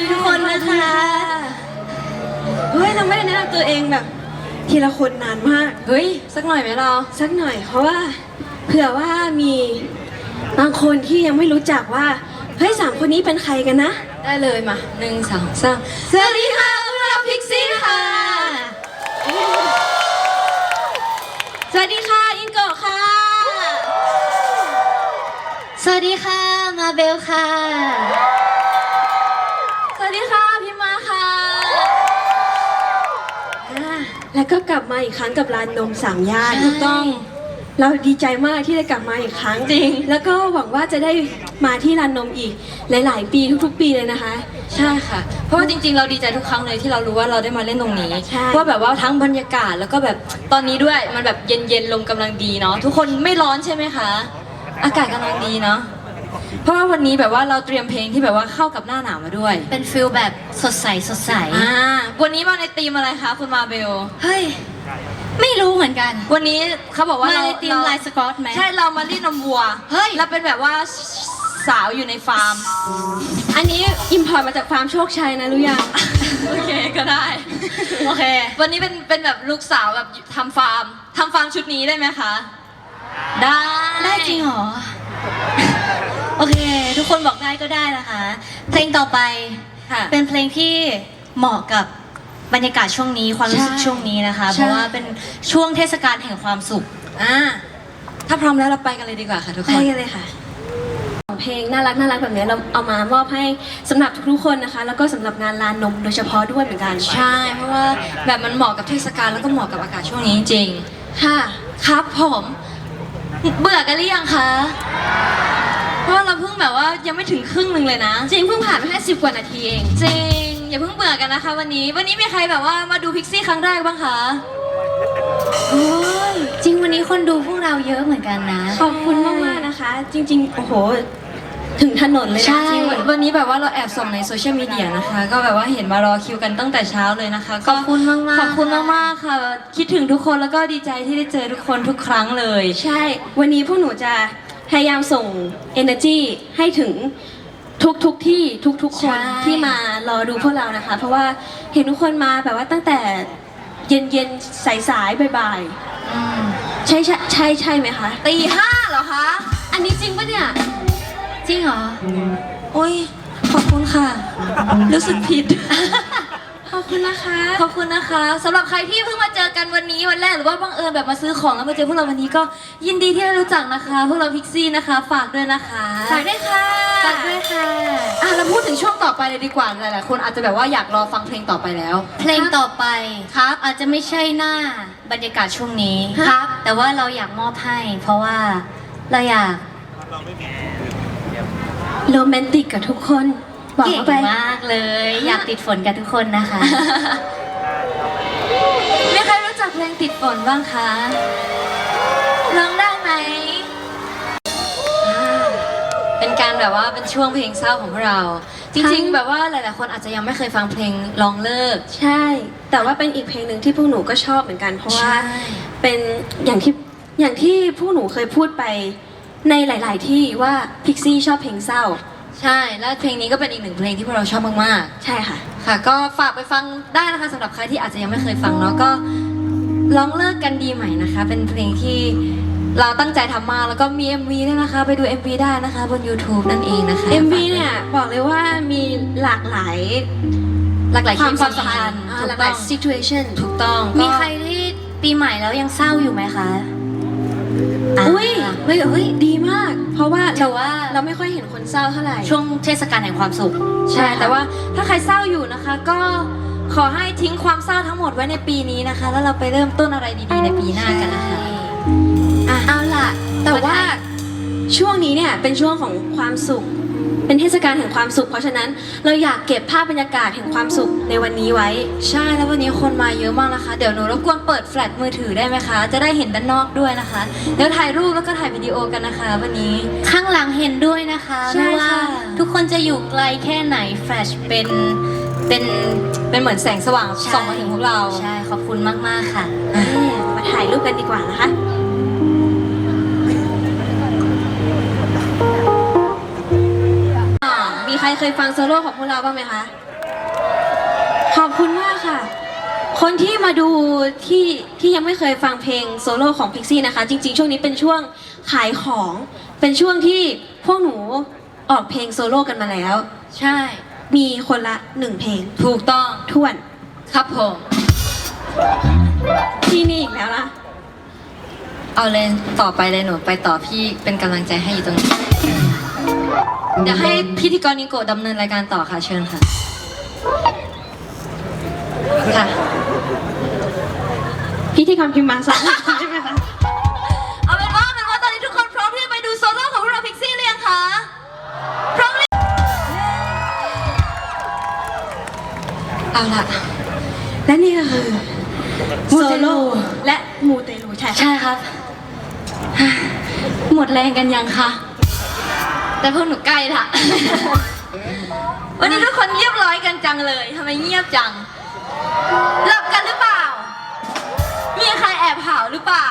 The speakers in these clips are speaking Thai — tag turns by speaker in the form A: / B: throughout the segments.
A: ทุกคนนะคะเฮ้ยเราไม่ได้แนะนำตัวเองแบบทีละคนนานมาก
B: เฮ้ยสักหน่อยไหมเรา
A: สักหน่อยเพราะว่าเผื่อว่ามีบางคนที่ยังไม่รู้จักว่าเฮ้ย3 คนนี้เป็นใครกันนะ
B: ได้เลยมา1 2 3
A: สวัสดีค่ะพวกเราพิกซี่ค่ะสวัสดีค่ะอินโกะค่ะ
C: สวัสดีค่ะมาเบลค่ะ
A: สวัสดีค่ะพิมมาค่ะแล้วก็กลับมาอีกครั้งกับร้านนม3 ย่านถูกต้องเราดีใจมากที่ได้กลับมาอีกครั้ง
B: จริง
A: แล้วก็หวังว่าจะได้มาที่ร้านนมอีกหลายๆปีทุกๆปีเลยนะคะ
B: ใช่ค่ะเพราะว่าจริงๆเราดีใจทุกครั้งเลยที่เรารู้ว่าเราได้มาเล่นตรงนี้ว่าแบบว่าทั้งบรรยากาศแล้วก็แบบตอนนี้ด้วยมันแบบเย็นๆลมกำลังดีเนาะทุกคนไม่ร้อนใช่ไหมคะอากาศกำลังดีเนาะเพราะว่าวันนี้แบบว่าเราเตรียมเพลงที่แบบว่าเข้ากับหน้าหนาวมาด้วย
C: เป็นฟิลแบบสดใส
B: วันนี้มาในธีมอะไรคะคุณมาเบล
C: เฮ้ยไม่รู้เหมือนกัน
B: วันนี้เขาบอกว่า
C: เราในธีมลายสกอตไหม
B: ใช่เรามารีดนมวัว
C: เฮ้ย
B: เราเป็นแบบว่าสาวอยู่ในฟาร์ม
A: อันนี้อิมพอร์ตมาจากฟาร์มโชคชัยนะรู้ยัง
B: โอเคก็ได้โอเควันนี้เป็นแบบลูกสาวแบบทำฟาร์มชุดนี้ได้ไหมคะ
C: ได้จริงเหรอโอเคทุกคนบอกได้ก็ได้นะคะเพลงต่อไปเป็นเพลงที่เหมาะกับบรรยากาศช่วงนี้ความรู้สึกช่วงนี้นะคะเพราะว่าเป็นช่วงเทศกาลแห่งความสุข
B: ถ้าพร้อมแล้วเราไปกันเลยดีกว่าค่ะทุกคน
A: ไปกันเลยค่ะเพลงน่ารักแบบนี้เราเอามามอบให้สำหรับทุกๆคนนะคะแล้วก็สำหรับงานลานนมโดยเฉพาะด้วยเหมือนกัน
B: ใช่เพราะว่าแบบมันเหมาะกับเทศกาลแล้วก็เหมาะกับอากาศช่วงนี้จริง
A: ค่ะ
B: ครับผมเบื่อกันหรือยังคะเพราะเราเพิ่งแบบว่ายังไม่ถึงครึ่งหนึ่งเลยนะ
A: จริงเพิ่งผ่านไปแค่10 กว่านาทีเอง
B: จริงอย่าเพิ่งเบื่อกันนะคะวันนี้มีใครแบบว่ามาดูพิกซี่ครั้งแรกบ้างคะ
C: โอ้ยจริงวันนี้คนดูพวกเราเยอะเหมือนกันนะ
A: ขอบคุณมากๆนะคะ จริงๆโอ้โหถึงถนนเลยนะ
B: ใช่วันนี้แบบว่าเราแอบส่องในโซเชียลมีเดียนะคะก็แบบว่าเห็นมารอคิวกันตั้งแต่เช้าเลยนะคะ
C: ขอบคุณมาก
B: ขอบคุณมากๆค่ะคิดถึงทุกคนแล้วก็ดีใจที่ได้เจอทุกคนทุกครั้งเลย
A: ใช่วันนี้พวกหนูจะพยายามส่ง energy ให้ถึงทุกที่ทุกคนที่มารอดูพวกเรานะคะเพราะว่าเห็นทุกคนมาแบบว่าตั้งแต่เย็นสายบ่ายใช่ไหมคะ
B: ตี 5เหรอคะ
A: อันนี้จริงปะเนี่ย
C: จริงเหรอ
B: โอ้ยขอบคุณค่ะรู้สึกผิด
A: ขอบคุณนะคะ
B: ขอบคุณนะคะสำหรับใครที่เพิ่งมาเจอกันวันนี้วันแรกหรือว่าบังเอิญแบบมาซื้อของแล้วมาเจอพวกเราวันนี้ก็ยินดีที่ได้รู้จักนะคะพวกเราพิกซี่นะคะฝากด้วยนะคะ
A: ฝากด้วยค่ะ
B: เราพูดถึงช่วงต่อไปเลยดีกว่าหลายๆคนอาจจะแบบว่าอยากรอฟังเพลงต่อไปแล้ว
C: เพลงต่อไป
B: ครับ
C: อาจจะไม่ใช่หน้าบรรยากาศช่วงนี้
B: ครับ
C: แต่ว่าเราอยากมอบให้เพราะว่าเราอยาก
A: โรแมนติกกับทุกคน
C: เก่งมากเลยอยากติดฝนกับทุกคนนะคะ
B: มีใครรู้จักเพลงติดฝนบ้างคะร้องได้ไหมเป็นการแบบว่าเป็นช่วงเพลงเศร้าของพวกเราจริงๆแบบว่าหลายๆคนอาจจะยังไม่เคยฟังเพลงลองเลิก
A: ใช่แต่ว่าเป็นอีกเพลงหนึ่งที่พวกหนูก็ชอบเหมือนกันเพราะว่าเป็นอย่างที่พวกหนูเคยพูดไปในหลายๆที่ว่าพิกซี่ชอบเพลงเศร้า
B: ใช่แล้วเพลงนี้ก็เป็นอีกหนึ่งเพลงที่พวกเราชอบมาก
A: ๆใช่ค่ะ
B: ก็ฝากไปฟังได้นะคะสำหรับใครที่อาจจะยังไม่เคยฟังเนาะก็ลองเลิกกันดีไหมนะคะเป็นเพลงที่เราตั้งใจทำมาแล้วก็มี MV ด้วยนะคะไปดู MV ได้นะคะบน YouTube นั่นเองนะคะ
A: MV เนี่ยบอกเลยว่ามีหลากหลาย
B: ความสัมพันธ์
A: หลากหลาย situation
B: ถูกต้อง
C: มีใครที่ปีใหม่แล้วยังเศร้าอยู่ไหมคะ
A: อุ้ยดีมากเพราะว่าเราไม่ค่อยเห็นคนเศร้าเท่าไหร่
C: ช่วงเทศกาลแห่งความสุข
B: ใช่แต่ว่าถ้าใครเศร้าอยู่นะคะก็ขอให้ทิ้งความเศร้าทั้งหมดไว้ในปีนี้นะคะแล้วเราไปเริ่มต้นอะไรดีๆในปีหน้ากันนะคะ
A: เอาล่ะแต่ว่าช่วงนี้เนี่ยเป็นช่วงของความสุขเป็นเทศกาลแห่งความสุขเพราะฉะนั้นเราอยากเก็บภาพบรรยากาศแห่งความสุขในวันนี้ไว้
B: ใช่แล้ววันนี้คนมาเยอะมากนะคะเดี๋ยวหนูรบกวนเปิดแฟลชมือถือได้ไหมคะจะได้เห็นด้านนอกด้วยนะคะเดี๋ยวถ่ายรูปแล้วก็ถ่ายวิดีโอกันนะคะวันนี้
C: ข้างหลังเห็นด้วยนะคะไม่ว่าทุกคนจะอยู่ไกลแค่ไหนแฟลชเป็น
B: เหมือนแสงสว่างส่องมาถึงพวกเรา
C: ใช่ขอบคุณมากๆค่ะ
A: มาถ่ายรูปกันดีกว่านะคะมีใครเคยฟังโซโล่ของพวกเราบ้างไหมคะขอบคุณมากค่ะ คนที่มาดูที่ยังไม่เคยฟังเพลงโซโล่ของพิกซี่นะคะ จริงๆ ช่วงนี้เป็นช่วงขายของ เป็นช่วงที่พวกหนูออกเพลงโซโล่กันมาแล้ว
B: ใช่
A: มีคนละ1เพลง
B: ถูกต้อง
A: ท่วน
B: ครับผม
A: ที่นี่อีกแล้วล่ะ
B: เอาเลยต่อไปเลยหนูไปต่อพี่เป็นกำลังใจให้อยู่ตรงนี้ เดี๋ยวให้พิธีกรนิโกะดำเนินรายการต่อค่ะเชิญค่ะ ค่ะ
A: พิธีกรพิมพ์มาสองใช่ไหมคะ
B: เอาเป็นว่าตอนนี้ทุกคนพร้อมที่จะไปดูโซโล่ของพวกเราพิกซี่หรือยังคะพร้อมเลยเอาล่ะ
A: และนี่ก็คือโซโล่และมูเตลูใช่ค่ะ
B: ใช่ครับ หมดแรงกันยังคะแต่พวกหนูใกล้ละ วันนี้ทุกคนเรียบร้อยกันจังเลยทำไมเงียบจัง หลับกันหรือเปล่า มีใครแอบเผาหรือเปล่า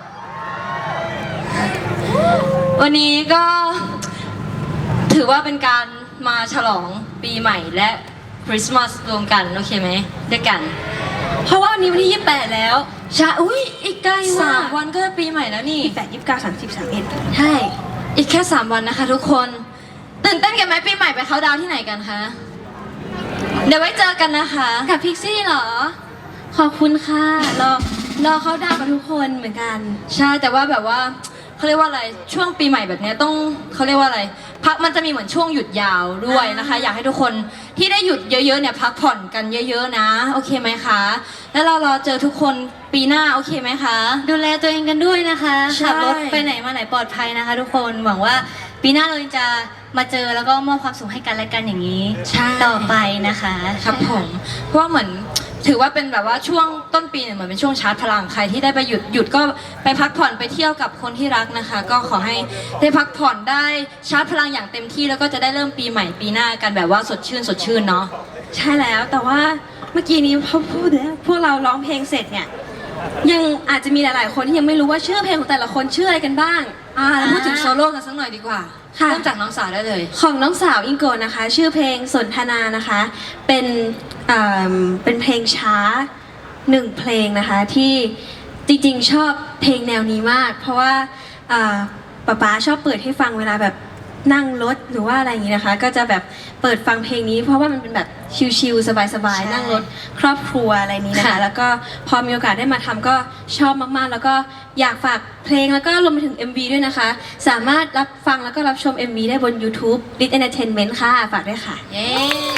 B: วันนี้ก็ถือว่าเป็นการมาฉลองปีใหม่และคริสต์มาสรวมกันโอเคไหมด้วยกัน
A: เพราะว่าวันนี้วันที่28แล้ว
B: ใช่อุ้ยอีกใกล้
A: มาก
B: 3 วันก็ปีใหม่แล้วนี่
A: 28 29 30 31
B: ใช่ อีกแค่ 3 วันนะคะทุกคน ตื่นเต้นกันไหมปีใหม่ไปเขาน์ดาวน์ที่ไหนกันคะ เดี๋ยวไว้เจอกันนะคะ
A: กับพิกซี่เหรอ ขอบคุณค่ะรอเขาดาวกับทุกคนเหมือนกัน
B: ใช่แต่ว่าแบบว่าเขาเรียกว่าอะไรช่วงปีใหม่แบบเนี้ยต้องเขาเรียกว่าอะไรพักมันจะมีเหมือนช่วงหยุดยาวด้วยนะคะ อยากให้ทุกคนที่ได้หยุดเยอะๆเนี่ยพักผ่อนกันเยอะๆนะโอเคไหมคะ แล้วเรารอเจอทุกคนปีหน้าโอเคไหมคะ
C: ดูแลตัวเองกันด้วยนะคะ
B: ใช่
C: ขับรถไปไหนมาไหนปลอดภัยนะคะ ทุกคนหวังว่าปีหน้าเราจะมาเจอแล้วก็มอบความสุขให้กันและกันอย่างนี้
B: ใช่
C: ต่อไปนะคะ
B: ครับผมเพราะว่าเหมือนถือว่าเป็นแบบว่าช่วงต้นปีเนี่ยเหมือนเป็นช่วงชาร์จพลังใครที่ได้ไปหยุดก็ไปพักผ่อนไปเที่ยวกับคนที่รักนะคะ ก็ขอให้ได้พักผ่อนได้ชาร์จพลังอย่างเต็มที่แล้วก็จะได้เริ่มปีใหม่ปีหน้ากันแบบว่าสดชื่นเนาะ
A: ใช่แล้วแต่ว่าเมื่อกี้นี้พอพูดแล้วพวกเราร้องเพลงเสร็จเนี่ยยังอาจจะมีหลายๆคนที่ยังไม่รู้ว่าชื่อเพลงของแต่ละคนชื่ออะไรกันบ้าง
B: เราพูดถึงโซโล่กันสักหน่อยดีกว่า
A: ค่ะ
B: เริ่มจากน้องสาวได้เลย
A: ของน้องสาวอิงโกนะคะ ชื่อเพลงสนทนานะคะเป็นเป็นเพลงช้า1เพลงนะคะที่จริงๆชอบเพลงแนวนี้มาก เพราะว่าป๊าชอบเปิดให้ฟังเวลาแบบนั่งรถหรือว่าอะไรอย่างนี้นะคะ ก็จะแบบเปิดฟังเพลงนี้ เพราะว่ามันเป็นแบบชิลๆสบาย
B: ใช่
A: ๆนั่งรถครอบครัวอะไรนี้นะคะ
B: ค่ะ
A: แล้วก็พอมีโอกาสได้มาทำก็ชอบมากๆ แล้วก็อยากฝากเพลงแล้วก็รวมไปถึง MV ด้วยนะคะ สามารถรับฟังแล้วก็รับชม MV ได้บน YouTube Lit Entertainment ค่ะฝากด้วยค่ะ
C: เย้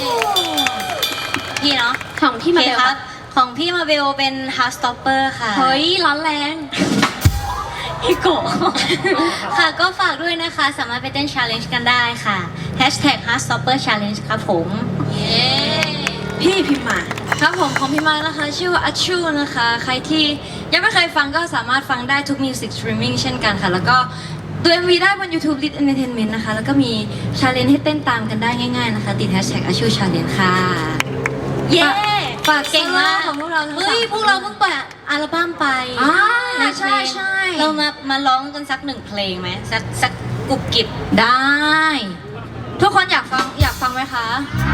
C: พี่เนาะ
A: ของที่มา
C: โอเค
A: เบล
C: ครับ ของพี่มาเบลเป็น House Stopper ค่ะ
A: เฮ้ยร้อนแรง
C: พี่โกะ ค่ะก็ฝากด้วยนะคะ สามารถไปเต้น challenge กันได้ค่ะ Hashtag House Stopper Challenge ครับผม
B: เย้
A: พี่พิมพ์มา
B: ครับผมของพี่มานะคะ ชื่อว่าอัชชูนะคะ ใครที่ยังไม่เคยฟังก็สามารถฟังได้ทุก Music Streaming เช่นกันค่ะ แล้วก็ดู MV ได้บน YouTube Lit Entertainment นะคะ แล้วก็มี challenge ให้เต้นตามกันได้ง่ายๆนะคะ ติด Hashtag อัชชู Challenge ค่ะ
C: เย้
B: ฝาก
C: เก่งมาก
B: ของพวกเราทั้ง
C: เฮ้ย
B: สาม
C: พวกเราเพิ่งเปิดอัลบั้มไป
B: อ่า
C: ในเพลง
B: ใช่
C: เรามาร้องกันสัก1เพลงไหมสักกุบกิบ
B: ได้ ทุกคนอยากฟังไหมคะ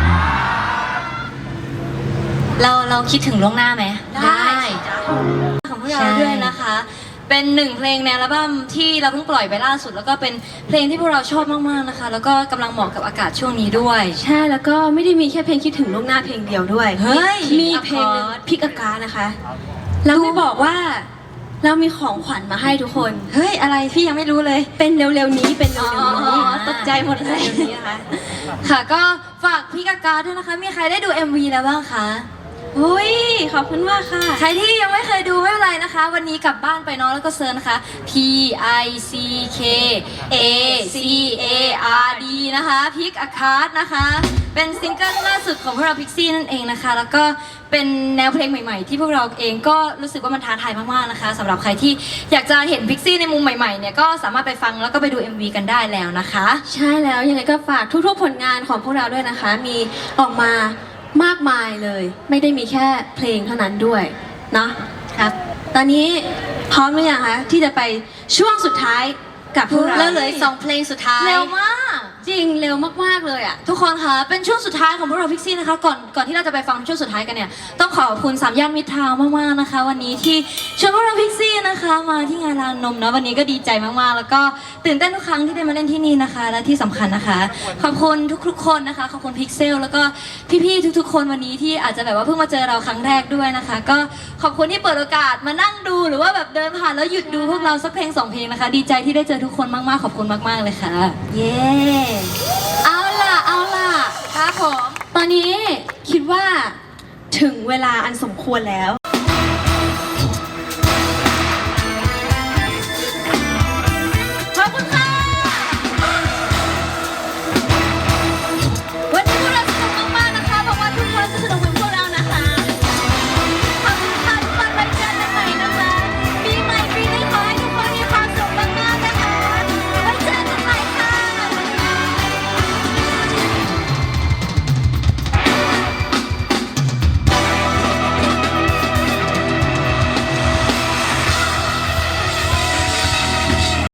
C: เราคิดถึงล่วงหน้าไหม
B: ของพวกเราด้วยนะคะ เป็น1เพลงในอัลบั้มที่เราเพิ่งปล่อยไปล่าสุด แล้วก็เป็นเพลงที่พวกเราชอบมากๆนะคะ แล้วก็กำลังเหมาะกับอากาศช่วงนี้ด้วย
A: ใช่แล้วก็ไม่ได้มีแค่เพลงคิดถึงล่วงหน้าเพลงเดียวด้วย
B: เฮ้ย
A: มีเพลงหนึ่งพิกอากานะคะเราไม่บอกว่าเรามีของขวัญมาให้ทุกคน
B: เฮ้ย อะไรพี่ยังไม่รู้เลย
A: เป็นเร็วๆนี้เป็นเร็วๆนี้
B: อ๋อตกใจหมดเลย
A: เร็วๆนี้นะคะ
B: ค่ะก็ฝากพี่กากาด้วยนะคะ มีใครได้ดู MV แล้วบ้างคะ
A: โอ้ยขอบคุณมากค่ะ
B: ใครที่ยังไม่เคยดูไม่เป็นไรนะคะ วันนี้กลับบ้านไปเนาะแล้วก็เซิร์ชนะคะ P I C K A C A R D นะคะพิกอาคาร์ดนะคะ เป็นซิงเกิลล่าสุดของพวกเราพิกซี่นั่นเองนะคะ แล้วก็เป็นแนวเพลงใหม่ๆ ที่พวกเราเองก็รู้สึกว่ามันท้าทายมากๆนะคะสำหรับใครที่อยากจะเห็นพิกซี่ในมุมใหม่ๆเนี่ยก็สามารถไปฟังแล้วก็ไปดู MV กันได้แล้วนะคะ
A: ใช่แล้วยังไงก็ฝากทุกๆผลงานของพวกเราด้วยนะคะ มีออกมามากมายเลย ไม่ได้มีแค่เพลงเท่านั้นด้วยเนาะ
C: ครับ
A: ตอนนี้พร้อมหรือยังคะที่จะไปช่วงสุดท้ายกับพวกเรา
C: แล้วเหลืออีก2เพลงสุดท้าย
B: เร็วมาก
A: จจริงเร็วมากๆเลยอ่ะ
B: ทุกคนคะเป็นช่วงสุดท้ายของพวกเราพิกซี่นะคะก่อนที่เราจะไปฟังช่วงสุดท้ายกันเนี่ยต้องขอบคุณสามย่านมิตรทาวน์มากๆนะคะ วันนี้ที่ชวนพวกเราพิกซี่นะคะมาที่งานลานนมนะวันนี้ก็ดีใจมากๆ แล้วก็ตื่นเต้นทุกครั้งที่ได้มาเล่นที่นี่นะคะ และที่สำคัญนะคะ ขอบคุณทุกๆคนนะคะขอบคุณพิกเซลแล้วก็พี่ๆทุกๆคนวันนี้ที่อาจจะแบบว่าเพิ่งมาเจอเราครั้งแรกด้วยนะคะ ก็ขอบคุณที่เปิดโอกาสมานั่งดูหรือว่าแบบเดินผ่านแล้วหยุดดูพวกเราสักเพลง2 เพลงนะคะ ดีใจที่ได้เจอทุกคนมากๆขอบคุณมากๆเลยค่ะ
A: เย้เอาล่ะครับผมตอนนี้คิดว่าถึงเวลาอันสมควรแล้ว